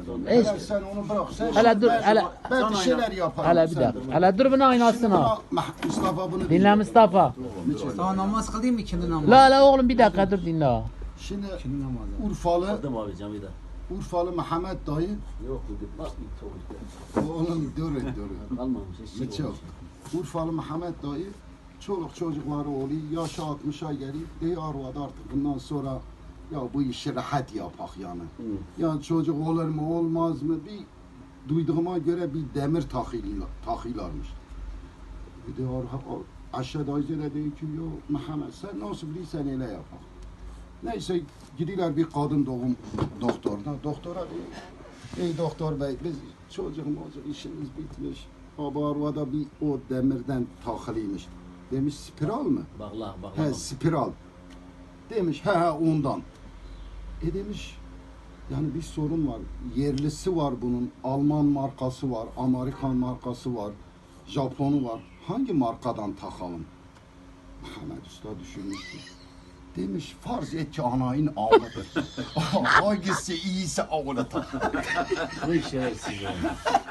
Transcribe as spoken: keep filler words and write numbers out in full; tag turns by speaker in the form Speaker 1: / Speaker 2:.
Speaker 1: Hiç.
Speaker 2: Hele sen onu bırak. Sen
Speaker 1: Hele
Speaker 2: şimdi
Speaker 1: dur,
Speaker 2: ben-
Speaker 1: hele-
Speaker 2: Ben bir şeyler yaparım.
Speaker 1: Hele bir
Speaker 2: sen
Speaker 1: dakika.
Speaker 2: dur.
Speaker 1: Hele dur bunu
Speaker 2: Şimdi
Speaker 1: aynasına.
Speaker 2: bak, Mah- Mustafa bunu
Speaker 1: Dinle Mustafa.
Speaker 3: Daha namaz kılayım mı ikindi namazı?
Speaker 1: La la oğlum bir dakika dur dinle.
Speaker 2: Şimdi
Speaker 3: İkindi namazı.
Speaker 2: Urfalı,
Speaker 4: Adım abi camide.
Speaker 2: Urfalı Mehmet dayı.
Speaker 4: Yok dedim. Bak bir tavuk.
Speaker 2: Oğlum dur dur.
Speaker 4: Kalmamış. Hiç şey
Speaker 2: Çok.
Speaker 4: olmamış.
Speaker 2: Urfalı Mehmet dayı. Çoluk çocukları oluyor. Yaşı altmışa geliyor. Diyor arvadı artık bundan sonra ya bu işi rahat yapak yani.
Speaker 4: Hı.
Speaker 2: Ya çocuk olur mu olmaz mı? Bir duyduğuma göre bir demir takıyla, takıylarmış. Bir de ar- aşağıda Ayşe diyor ki yo Mehmet sen nasıl bilirsen öyle yapak. Neyse gidiyorlar bir kadın doğum doktoruna. Doktora diyor ey doktor bey biz çocuk mocuk işimiz bitmiş. Baba arvada bir o demirden takılıymış. Demiş spiral mı?
Speaker 4: Bakla
Speaker 2: He
Speaker 4: bakla.
Speaker 2: spiral. Demiş he he ondan. E demiş yani bir sorun var. Yerlisi var bunun. Alman markası var. Amerikan markası var. Japonu var. Hangi markadan takalım? Mehmet Usta düşünmüş ki. Demiş farz et ki anayın ağlıdır. Hangisi iyiyse ağlı tak.
Speaker 4: Bu şerefsiz yani.